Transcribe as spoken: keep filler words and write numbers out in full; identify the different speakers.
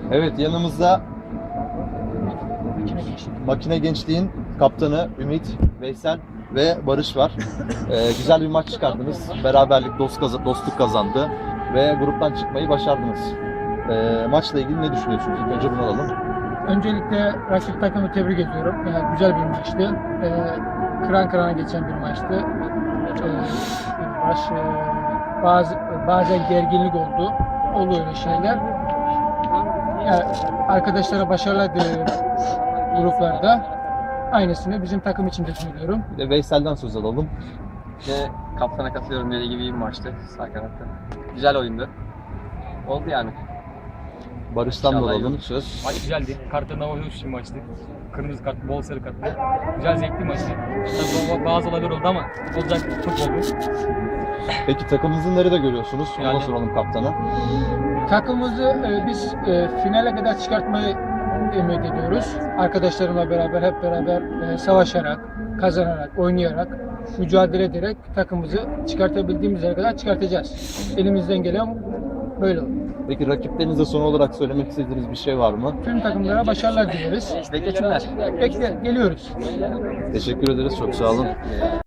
Speaker 1: Evet, yanımızda Makine Gençliğin kaptanı Ümit, Veysel ve Barış var. Ee, güzel bir maç çıkardınız. Beraberlik, dost kaz- dostluk kazandı ve gruptan çıkmayı başardınız. Ee, maçla ilgili ne düşünüyorsunuz? İlk önce bunu alalım.
Speaker 2: Öncelikle rakip takımı tebrik ediyorum. Yani güzel bir maçtı. Ee, kıran kırana geçen bir maçtı. Ee, baş, e, bazı bazen gerginlik oldu. Oluyor öyle şeyler. Yani arkadaşlara başarılar diliyorum gruplarda. Aynısını bizim takım için de söylüyorum.
Speaker 1: Bir de Veysel'den söz alalım.
Speaker 3: Ve kaptana katılıyorum, dediği gibi iyi bir maçtı sağ kanatta. Güzel oyundu. Oldu yani.
Speaker 1: Barış'tan da
Speaker 3: İnşallah
Speaker 1: alalım
Speaker 3: iyi.
Speaker 1: söz.
Speaker 4: Maç güzeldi. Kartlarına hoş bir maçtı. Kırmızı kart, bol sarı kart. Güzel, zevkli maçtı. Tabii bazı olaylar oldu ama olacak, futbol bu.
Speaker 1: Peki takımınızı nerede görüyorsunuz? Ona
Speaker 4: Yani-
Speaker 1: soralım kaptana.
Speaker 2: Takımımızı e, biz e, finale kadar çıkartmayı ümit ediyoruz. Arkadaşlarımla beraber hep beraber e, savaşarak, kazanarak, oynayarak, mücadele ederek takımımızı çıkartabildiğimiz yere kadar çıkartacağız. Elimizden gelen böyle olur.
Speaker 1: Peki rakiplerinize son olarak söylemek istediğiniz bir şey var mı?
Speaker 2: Tüm takımlara başarılar dileriz.
Speaker 3: Beklesinler.
Speaker 2: Bekle, geliyoruz.
Speaker 1: Teşekkür ederiz. Çok sağ olun.